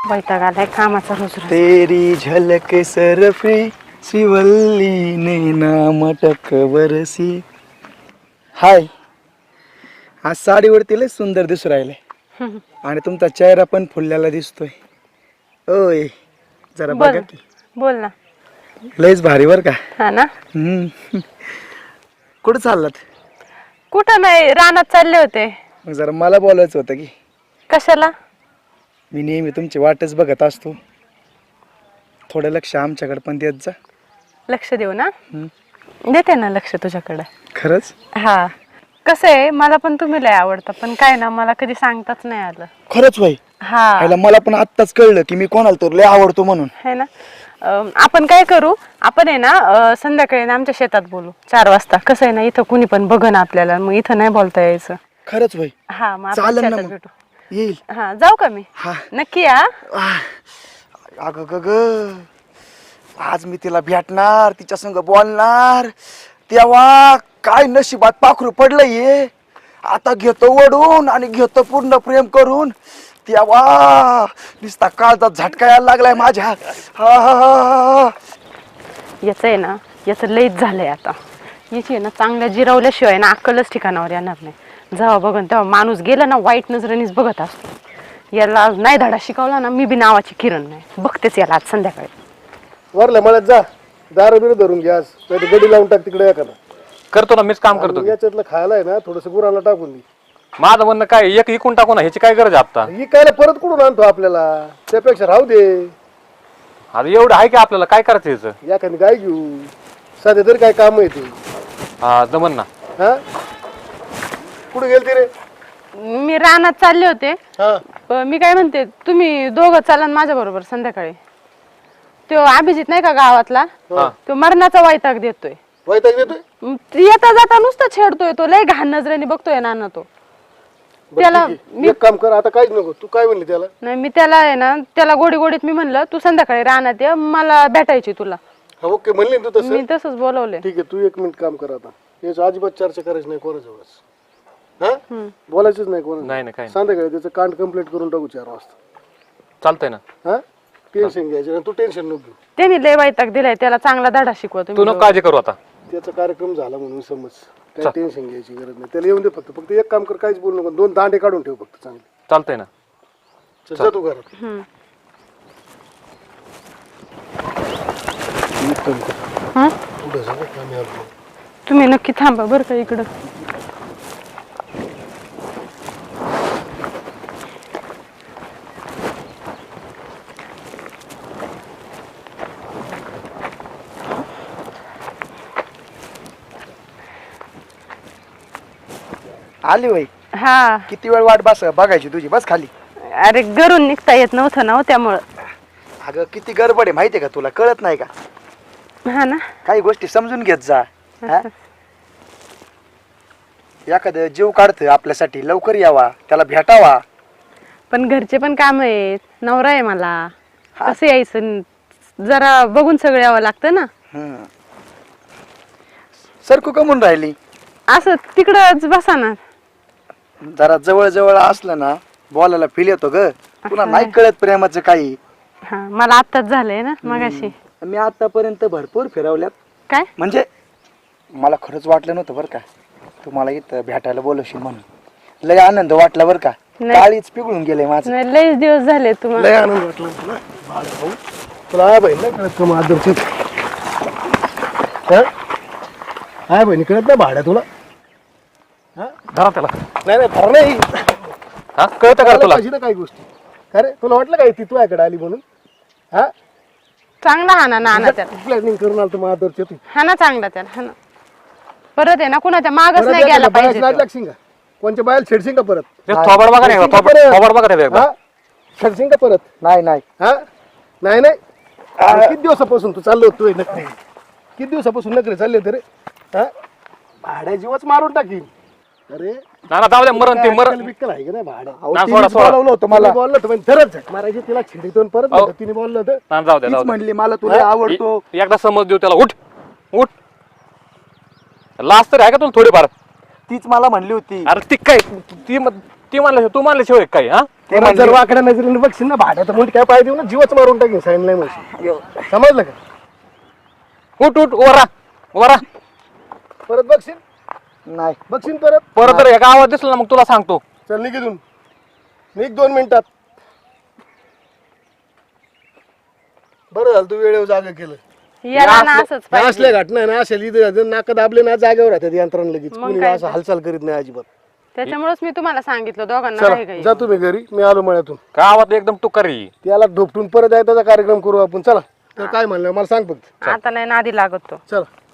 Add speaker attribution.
Speaker 1: वैताग आलाय कामाचा रोज रोज.
Speaker 2: तेरी झलक सरफी शिवल्ली ने नामटक बरसी. हाय, आज साडीवरती लय सुंदर दिसू राहिले आणि तुमचा चेहरा पण फुललेला दिसतोय. ओय जरा
Speaker 1: बोल
Speaker 2: बघा की,
Speaker 1: बोल ना.
Speaker 2: लयच भारी बर का.
Speaker 1: हा ना.
Speaker 2: कुठं चाललात?
Speaker 1: कुठं नाही, रानात चालले होते.
Speaker 2: मग जरा मला बोलायचं होतं की.
Speaker 1: कशाला?
Speaker 2: मी नेहमी तुमची वाटच बघत असतो, थोडं लक्ष आमच्याकडे पण देत जा.
Speaker 1: लक्ष देऊ ना. देते ना लक्ष तुझ्याकडे.
Speaker 2: खरंच?
Speaker 1: हा. कसं आहे, मला पण तुम्ही लय आवडतं, पण काय ना मला कधी सांगताच नाही आलं.
Speaker 2: खरंच भाई.
Speaker 1: हा
Speaker 2: मला पण आत्ताच कळलं की मी कोणाला तर लय आवडतो म्हणून.
Speaker 1: है ना. आपण काय करू, आपण आहे ना संध्याकाळी ना आमच्या शेतात बोलू 4 वाजता. कसं आहे ना, इथं कुणी पण बघ ना आपल्याला, मग इथं नाही बोलता यायचं.
Speaker 2: खरंच भाई.
Speaker 1: हा मग आपण
Speaker 2: चालेल ना
Speaker 1: शेतात
Speaker 2: मग.
Speaker 1: भेटू.
Speaker 2: येईल.
Speaker 1: हा जाऊ का मी?
Speaker 2: हा.
Speaker 1: नक्की या.
Speaker 2: अग ग ग, आज मी तिला भेटणार, तिच्या संग बोलणार, तेव्हा काय नशिबात पाखरू पडलंय हे. आता घेतो वडून आणि घेतो पूर्ण प्रेम करून, तेव्हा नुसता काळजात झटका यायला लागलाय माझ्या.
Speaker 1: याच आहे ना, याचं लईच झालंय आता. याची आहे ना चांगल्या जिरवल्याशिवाय ना अक्कलच ठिकाणावर येणार नाही. जेव्हा बघन तेव्हा माणूस गेला ना वाईट नजरेनेच बघत असतो. याला नाही धडा शिकवला ना, मी बी नावाची किरण नाही. बघतेच याला आज संध्याकाळी.
Speaker 3: वरल्या मळ्यात जा, दारू बिरू धरून घ्या, नाही गडी लावून टाक तिकडे एखादा.
Speaker 4: करतो ना, मीच काम करतो.
Speaker 3: याच्यातलं खायला आहे ना थोडस गुराला टाकून दे.
Speaker 4: माझं म्हणणं काय, एक इकून टाकू ना, ह्याची काय गरज आहे आता?
Speaker 3: विकायला परत कुठून आणतो आपल्याला, त्यापेक्षा राहू दे.
Speaker 4: आता एवढं आहे की आपल्याला, काय करायचं ह्याचं?
Speaker 3: एखादी गाय घेऊ, सध्या तरी काय काम येते.
Speaker 4: हा जमन ना.
Speaker 3: हा कुठे गेलते रे?
Speaker 1: मी रानात चालले होते.
Speaker 3: हा
Speaker 1: मी काय म्हणते, तुम्ही दोघं चाला माझ्या बरोबर संध्याकाळी. तो अभिजित नाही का गावातला, तो मरणाचा वैताग देतोय.
Speaker 3: वैताग देतोय?
Speaker 1: येता जाता नुसतं छेडतोय तो, लय घाण नजरेने बघतोय नाना तो.
Speaker 3: बरं,
Speaker 1: त्याला
Speaker 3: ठीक आहे. एक काम कर, आता काहीच नको. तू काय म्हणली त्याला?
Speaker 1: नाही, मी त्याला आहे ना, त्याला गोडी गोडीत मी म्हणलं तू संध्याकाळी रानात ये, मला भेटायची तुला.
Speaker 3: हा ओके म्हणली ना तू तसं.
Speaker 1: मी तसंच बोलवले.
Speaker 3: ठीक आहे, तू 1 मिनिट काम कर. आता याच अजिबात चर्चा करायची नाही कोणाजवळच. हा बोलायचंच नाही कोणा.
Speaker 4: नाही काय
Speaker 3: संध्याकाळी त्याचं कांड कंप्लीट करून टाकू 4 वाजता.
Speaker 4: चालतंय ना.
Speaker 3: हा टेन्शन घ्यायचं नाही, तू टेन्शन नको घेऊ.
Speaker 1: त्यांनी लय वैताग दिलाय, त्याला चांगला धडा शिकवा
Speaker 4: तू
Speaker 1: तुम्ही.
Speaker 4: नको काळजी करू आता.
Speaker 3: त्याचा कार्यक्रम झाला म्हणून समज, काही टेन्शन घ्यायची गरज नाही. त्याला येऊन दे फक्त एक काम कर, काहीच बोलू नको. 2 दांडे काढून ठेव फक्त चांगले.
Speaker 4: चालतंय ना.
Speaker 3: चल जा तू घरात.
Speaker 1: हा?
Speaker 3: पुढे जा बरं, आम्ही आलो.
Speaker 1: तुम्ही नक्की थांबा बरं का इकडं.
Speaker 2: आली बाई.
Speaker 1: हा.
Speaker 2: किती वेळ वाट बघायची तुझी. बस खाली.
Speaker 1: अरे घरून निघता येत नव्हतं ना हो, त्यामुळं.
Speaker 2: अगं किती गडबड आहे माहितीये का तुला, कळत नाही का?
Speaker 1: हा ना.
Speaker 2: काही गोष्टी समजून घेत जा. हा? एखादं जीव काढतं आपल्यासाठी, लवकर यावा, त्याला भेटावा.
Speaker 1: पण घरचे पण काम आहेत, नवरा आहे मला, कसं यायचं, जरा बघून सगळं यावं लागतं ना.
Speaker 2: सरकू कमून राहिली.
Speaker 1: असं तिकडच बसा ना.
Speaker 2: जरा जवळ जवळ असलं ना बोलायला फील येतो ग. तुला नाही कळत प्रेमाचं काही.
Speaker 1: हा मला आत्ताच झालंय ना मगाशी.
Speaker 2: मी आतापर्यंत भरपूर फिरवल्यात.
Speaker 1: काय
Speaker 2: म्हणजे मला खरंच वाटलं नव्हतं बरं का तुम्हाला इथं भेटायला बोलवशील म्हणून. लय आनंद वाटला बरं का. काळीच पिघळून गेले माझं.
Speaker 1: नाही, लयच दिवस झाले तुम्हाला.
Speaker 3: लय आनंद वाटला तुला भाऊ. तुला आहे बहीण नाही कळत का माधवचं? आहे बहिणी कळत नाही भाड्या तुला?
Speaker 4: धरा त्याला.
Speaker 3: नाही नाही फार नाही.
Speaker 4: हा कळतं का तुला?
Speaker 3: पाहिजे ना काही गोष्टी. अरे तुला वाटलं काय ती तुझ्याकडे आली म्हणून? हा
Speaker 1: चांगला हा ना नाना त्याला.
Speaker 3: प्लॅनिंग करून आलं माधवचं तू.
Speaker 1: हा ना चांगला त्याला. हा ना. परत आहे ना कुणाच्या मागच नाही गेला पाहिजे.
Speaker 3: लागशील का? कोणच्या बाहेर छेडशील का परत?
Speaker 4: थोबड बघा नाही, थोबड बघा रे एकदा.
Speaker 3: छेडशील का परत?
Speaker 2: नाही नाही.
Speaker 3: हा नाही नाही. किती दिवसापासून तू चाललो होतोय नखरे? किती दिवसापासून नखरे चालले होते रे? हा भाड्या जीवच मारून टाकीन. अरे
Speaker 4: ना जाऊ द्या, मरण ते मरण.
Speaker 3: बिक्कल आहे का नाही भाड्या?
Speaker 2: बोलवलं होतं मला.
Speaker 3: बोललं होतं पण तरच झक मारायची तिला छिडीतून परत
Speaker 4: अहो.
Speaker 3: तिने बोललं होतं.
Speaker 4: ना जाऊ द्या,
Speaker 2: तीच
Speaker 4: जाऊ द्या.
Speaker 2: म्हणली मला तुला आवडतो.
Speaker 4: एकदा समज देऊ त्याला. उठ उठ. लास्ट तर आहे का तुला थोडीफार?
Speaker 2: तीच मला म्हणली होती.
Speaker 4: अरे ती काय ती म्हणल्याशिवाय तू मानल्याशिवाय काय? हा
Speaker 2: ते
Speaker 3: परत जर
Speaker 2: म्हणले-
Speaker 3: वाकड्या नजरेने बघशील ना भाड्या तर म्हणून काय पाय देऊ ना जीवच मारून टाकेन सांगितलंय म्हणशील समजलं का
Speaker 4: उठ उठ वरा वरा
Speaker 3: परत बघशील
Speaker 2: नाही
Speaker 3: बघशील परत
Speaker 4: परत जर एका आवाज दिसला ना मग तुला सांगतो.
Speaker 3: चल निघून निघ 2 मिनिटात बरं झालं तू वेळेवर जागा केलं
Speaker 1: याला ना असंच
Speaker 3: हे
Speaker 1: पाहिजे.
Speaker 3: असल्या घटना आहे ना अशा लिहिलं नाका दाबले ना जागेवर राहतात यंत्रणा लगेच
Speaker 1: मग
Speaker 3: कुणी
Speaker 1: काय
Speaker 3: असं
Speaker 1: तर.
Speaker 3: हालचाल करीत नाही अजिबात
Speaker 1: त्याच्यामुळेच मी तुम्हाला सांगितलं दोघांना
Speaker 3: चला
Speaker 1: काही काही
Speaker 3: जा तुम्ही घरी मी आलो मळ्यातून
Speaker 4: गावात एकदम टुकारी.
Speaker 3: त्याला ढोपटून परत आहे त्याचा कार्यक्रम करू आपण चला तर काय म्हणलं मला सांग फक्त
Speaker 1: आता नाही नादी लागत तो.
Speaker 3: चला